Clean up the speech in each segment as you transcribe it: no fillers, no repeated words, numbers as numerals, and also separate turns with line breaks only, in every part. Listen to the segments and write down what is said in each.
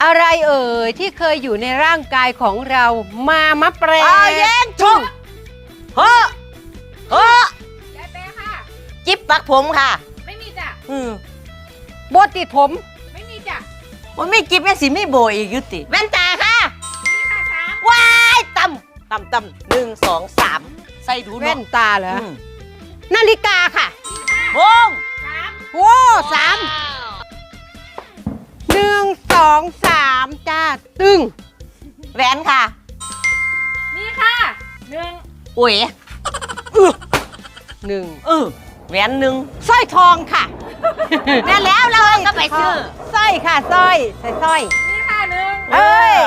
อะไรเอ่ยที่เคยอยู่ในร่างกายของเรามะแปร
แย่งชุบเฮ้อย
ายแปรค่ะ
จิ๊บปักผมค่ะ
ไม่มีจ้ะ
โบติดผม
ไม่มีจ้ะ
มันไม่จิ๊บยังสิไม่โบอีกยุติแว่นตาค่ะ
นี่ค่ะสาม
ว้ายต่ำ1 2 3ใส่ดู
แว่นตาเหรอ
อืม
นาฬิกาค่ะ
วง
สาม
โว้3 1 2 3จ้าตึง
แหวนค่ะ
นี่ค่ะหนึ่ง
อุ้ย
1
แหวนหนึ่ง
สร้อยทองค่ะ
แน่แล้วเราก็ไปซื้อ
สร้อยค่ะสร้อยใส่สร้อย
นี่ค่ะหนึ่ง
เอ้ย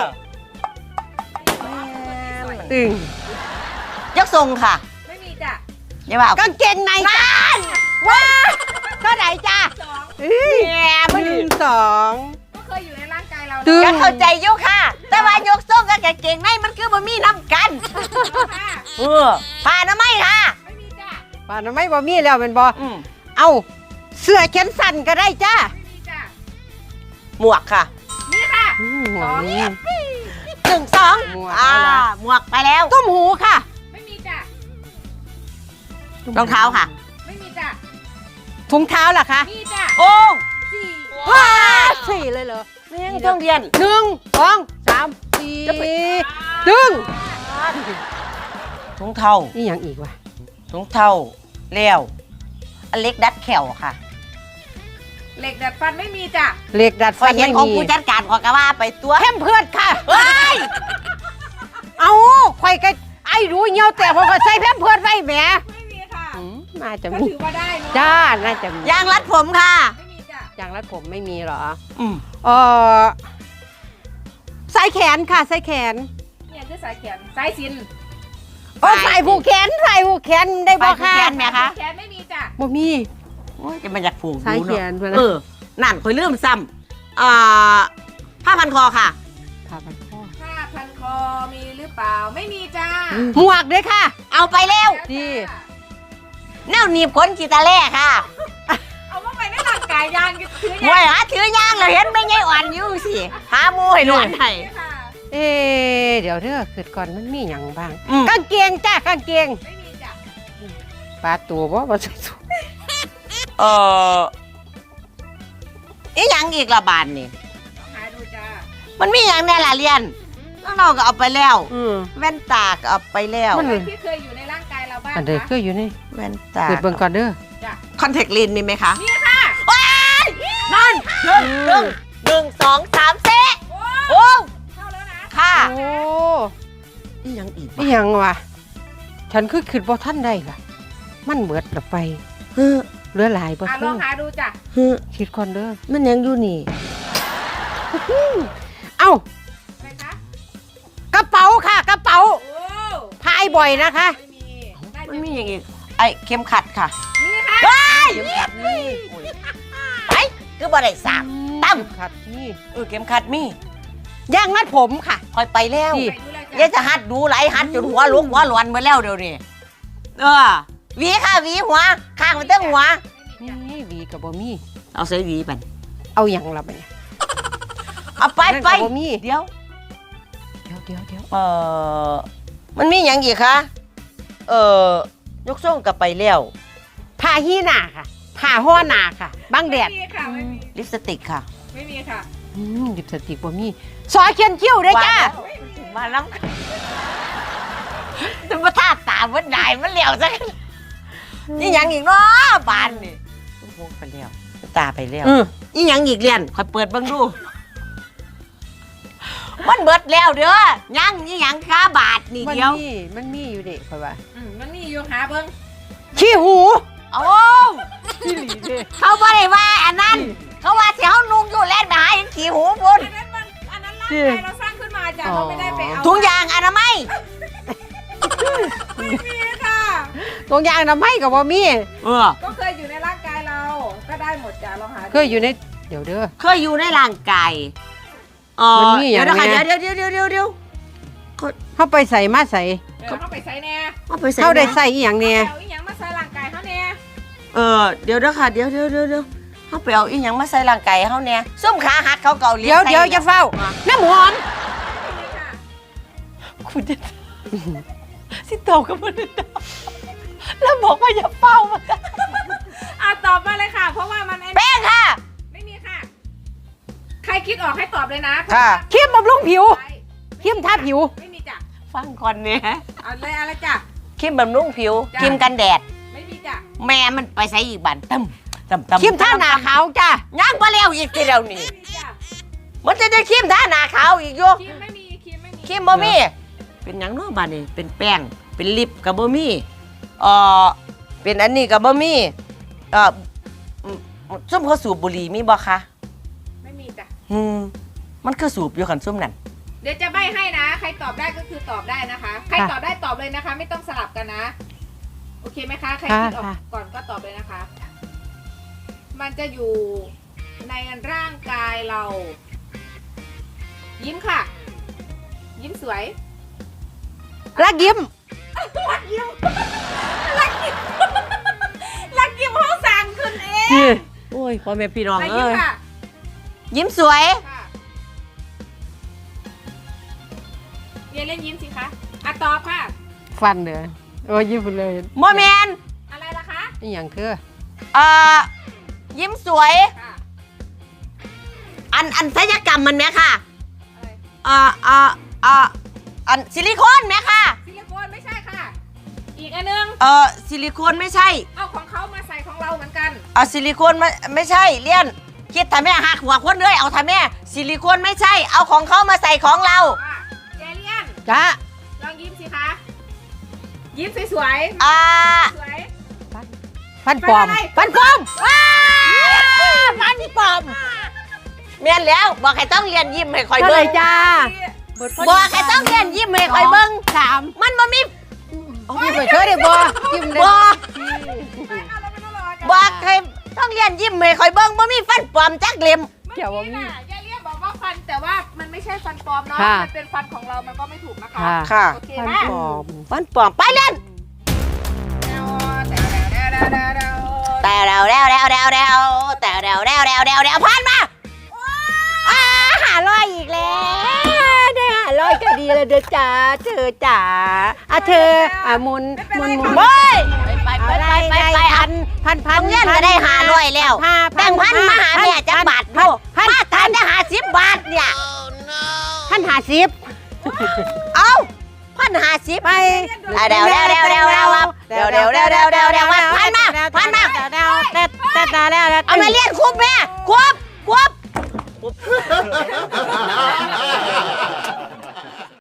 ตึง
ยกทรงค่ะ
ไม่มีจ้ะ
อย่าว่าเอา
กางเกงในจ้าว้าเท่าไหร่จ้า
สอง
แง่ไม่ดี
1
ก็เคยอยู่ในร่างกายเรา
ตึง
ก็เข้าใจอยุค่ะ แต่ว่ายกทรงกับกางเกงในมันคือบ่มีน้ำกัน
ค่ะ
ผ่านะไม่ค่ะ
ไม่มีจ้ะ
ป่านนั้นไม่บ่มีแล้วเป็นบ่
อืม
เอาเสื้อแขนสั้นก็ได้จ้า
ไม่มีจ้ะ
หมวกค่ะ
นี่ค่ะ
หัวนี้
1 2
หมวก
หมวกไปแล้ว
ตุ้มหูค่ะ
ไม่มีจ้ะ
รองเท้าค่ะ
ไม่มีจ้ะ
ถุงเท้าล่ะคะ
มีจ้ะ
โอ้
สี่
ว้าสี่เลยเหรอ
แม่งต้องเรียน
1 2 3
จะไป
4ตึง
ถุงเท้า
นี่ยังอีกวะ
ถุงเท้าแล้วอเล็กดัดแขวค่ะ
เหล็กดัดฟันไม่มีจ้ะ
เหล็กดัด
พอ
ฟัน
เห็น
ไม่
ของ
มี
ผู้จัดการขอกระว่าไปตัว
เข้มเพื่อนค่ะ
ว้าย
เอาข่อยก็ไอ้รู้เงี้ยวแต่พอก็ใส่แพมเพื่อนไว้แหม
ไม่มีค่ะ
น่าจะ
ก็
มี
ถือว่าได้เนาะ
จ้าน่าจะมี
ยางรัดผมค่ะ
ไม่มีจ้ะ
ยางรัดผมไม่มีเหรอ
อืม
เออสายแขนค่ะสายแขน
เนี่ยคือสายแขนสายสิญจน์
โอ้ใส่ผูกแขนใส่ผูกแขนได้บ่ค่ะ
แขนไหมคะ
แขนไม่มีจ้ะ
บ่มี
โอ้ยจะมาอยากผูก
สายแขน
ดู
เพื่อน
เนาะ
นะ
นั่นคอยลืมซ้ำผ้าพันคอค่ะ
ผ้าพันคอ
ผ้าพันคอมีหรือเปล่าไม่มีจ้า
หมวกด้วยค่ะ
เอาไปแล้ว
ดี
แนวหนีบขนกีตาแร่ค่ะ
เอาว่าไปในร่างกายยางถือ
มวยหาถือยางเราเห็นไม่ไงอ่อนอยู่สิหามูให้หนวดให้
ค่ะ
เอ๊ะเดี๋ยวเด้อคือก่อนมันมีหยังบ้าง
อืม
กางเกงจ้ากางเกง
ไม่มีจ้ะ
ปลาตัวบ่ใส่สูท
อีหยังอีกละบานนี่
ลองหาดูจ้า
มันมีอย่างแน่ละเรียนน้องๆก็เอาไปแล้ว
อืม
แว่นตาก็เอาไปแล้ว
มัน
อะไรที่เคยอยู่ในร่างกายเราบ้าง
อันเด้อ
คะ
คืออยู่นี่
แว่นตา
เปิดเบิ่งก่อนเด้อ
จ้ะ
คอนแทคเลนส์มีไหมคะ
นี่ค่ะ
นั่นหนึ่งสองสามเซะ
โอ้
โอ้
เข้าแล้วนะ
ค่ะ
โอ้
อีหยังอีก
อีหยังวะฉันคือคิดบ่ทันได้ล่ะ มันเบิดละไป
เฮ้อ
เหลือหลายบ่
ล
คื
อ
อง
หาดูจ้ะ
เฮ้อ
คิดก่อนเด้อ
มันยังอยู่นี่
เอ้า
อะไรคะ
กระเป๋าค่ะ กระเป๋า
โอ้
พายบ่อยนะคะ
ไม่มีได้
มันมีอย่างอีกไอ้เข็มขัดค่ะ
นี่ค่ะ
เข็มขัดนี่
ไอ้คือบ่ได้สาม ตั้ม
เข็ขัดนี่
เข็มขัดมี
ย่างมัดผมค่ะ
คอยไปแล้ว
ที่
ไปดูเลย
เดี๋ยว
จ้ะ
จะหัดดูไหลหัดจนหัวลุกหัวหลอนหมาแล้วเดี๋ยวนี้หวีค่ะหวีหัวข้างมันเต้งหัว
ไม่มีจ้ะ
นี่หวีกับบ่มี
เอาใส่หวีมัน
เอาหยังละไปเนี่ย
เอาไป
นั่น
ไป
ก็บ่มี
เดี๋ยว
เดี๋ยว
มันมีอย่างอีกคะยกส่งกลับไปแล้ว
ผ้าฮีหนาค่ะผ้าห่อหนาค่ะบังแดด
ไม่มีค่ะไม่มี
ลิปสติกค่ะ
ไม่มีค่ะ
ดิบสติกบ่มีซอเขียนคิ้วด้วยจ้า
มาแล้วจะมาท่าตามันได้มันเหลียวซะนี่ยังอีกเนาะบานนี่ต้องพกไปแล้วตาไปแล้ว นี่ยังอีกเรียนคอยเปิดเบิ่งดู มันเบิดแล้วเด้อยังนี่ยังค้าบาทนี่
มัน
เดียว
มีอยู่เด็กค่อยว่า
มันมีอยู่หาเบิ้ง
ขี้หู
โอ้
ขี้หลีเด้
เขาบ่ได้ว่าอันนั้น เขาว่าเสียวนุ่งอยู่แล่นไปหาเห็นขี้หูพุ่น
อันนั้นร่างกายเราสร้างขึ้นมาจ้ะเราไม่ได้ไปเอา
ถุงยางอนามัย
ไม่มีค่ะ
ตรงยางน้ำให้กับบ่มี
ก็เคยอยู่ในร่างกายเรา ก็ได้หมดจ้ะลองหาดู
เคยอยู่ในเดี๋ยวเด้อ
เคยอยู่ในร่างกาย
มันมีอย่าง
เดี๋ยวนะคะ
เนี้ย
เดี๋ยว
เข้าไปใส่มาใส่
เข้าไปใส่แน่
เอาไปใส่
เข้าได้ใส่อีหยังเนี่ย
เอาอีหยังมาใส่ร่างกายเขาแน่
เดี๋ยวนะคะเดี๋ยวเฮาไปเอาอีหยังมาใส่ร่างกายเฮาเนี่ยส้มขาหักเขาเกาเหลี
เดี๋ยวอย่าเฝ้าน้ำหอม
คุณจะสิตอบกับมันแล้วบอกว่าอย่าเฝ้ามัน
ตอบมาเลยค่ะ เพราะว่ามันไอ้
แป้งค่ะ
ไม่มีค่ะ ใครคิดออกให้ตอบเลยนะ
ค่ะ
ครีมบำรุงผิวครีมทาผิว
ไม่มีจ้ะ
ฟังก่อนเนี่ย
เอาเลยอะไรจ้ะ
ครีมบำรุงผิว
จ้ะ
ครีมกันแดด
ไม่มีจ้ะ
แม่มันไปใส่อีกบันตึม
ครีมทาหน้าขาวจ้า
ย่างไปแล้วอีกทีเดียวนี่
ไม่มีจ้ะ
มันจะได้ครีมทาหน้าขาวอีกอยู่
ครีมไม่มีครีมไม่มี
ครีมบ่มีเป็นหยังเนาะบาดนี่เป็นแป้งเป็นลิปกับบ่มีเป็นอันนี้กับบ่มีส้มเขาสูบบุหรี่มีบ่คะ
ไม่มีจ้ะ
มันคือสูบอยู่ขันส้มนั่น
เดี๋ยวจะใบ้ให้นะ ใครตอบได้ก็คือตอบได้นะคะ ใครตอบได้ตอบเลยนะคะ ไม่ต้องสลับกันนะ โอเคไหมคะ ใครคิดออกก่อนก็ตอบเลยนะคะ มันจะอยู่ในร่างกายเรา ยิ้มค่ะ ยิ้มสวย
รักยิ้ม
รักยิ้ม รักยิ้ม รักยิ้มห้องสั่งคุณเอง
โอ้ยพ่อแม่พี่น้อง
รัก
เอ้
ยิ้ม
ย
ค่ะ
ยิ้มสวย
ค่ะเรียนเล่นยิ้มสิคะตอบค่ะ
ฟันเด้อโอ้ยยิ้มเลย
โมแมน
อะไรล่ะคะ
นี่อย่างคือ
ยิ้มสวย
ค่ะ
อันศัลยกรรมมันไหมค่ะ
อะไร
อันซิลิโคนไหมค่ะ
ซิลิโคนไม่ใช่ค่ะ อีกอันนึง
ซิลิโคนไม่ใช่
เอาของเขามาใส่ของเราเหมือนกัน
ซิลิโคนไม่ใช่เลี่ยนคิดทำแม่หักหัวคนเลยเอาทำแม่ซิลิโคนไม่ใช่ เอาของเขามาใส่ของเรา
ค่ะเจเลียน
จ้า
ลองยิ้มสิคะ ยิ้มสวยๆสวย
ฟันปลอม ฟันปลอมฟันปลอม
เมียนแล้วบอกให้ต้องเรียนยิ้มให้คอย
ก็เล
เบิ้
ย
ง
จ้า
บอกให้ต้องเรียนยิ้มให้คอยเบิ้ง
สาม
มันบ่มี
ยิ้มไปเฉยเลยบ่ยิ้มเลย
บอก
เอาเราไม่ต้องรอกัน
บอกให้ต้องเรียนยิ้มให้คอยเบิ้งบ่มีฟันปลอมจักเล่ม
เกี่ยวว่ามี
ค่ะยายเลียนบอกว่าฟันแต่ว่ามันไม่ใช่ฟันปลอมเนาะ
ค่ะ
มันเป็นฟันของเรา มันก็ไม่ถูกนะคะ
ค่ะ
ค่ะ
โอเค
ฟัน
ไหม
ปลอม
ฟันปลอมไปเล่นแต่แล้วผ่านมา
500อีกแล้วได้500ก็ดีแล้วเด้อจ้าเธอจ๋าเธอมุน
เฮ้ยไป
พัน
เงินก็ได้500แล้วแบ่งพันมาหาแม่จักบาทดูมาทานจะ50 บาทเนี่ย
1,050
เอา1,050
ไป
เดี๋ยวผ่านมาเอามาเรียนคุบแม่คุบ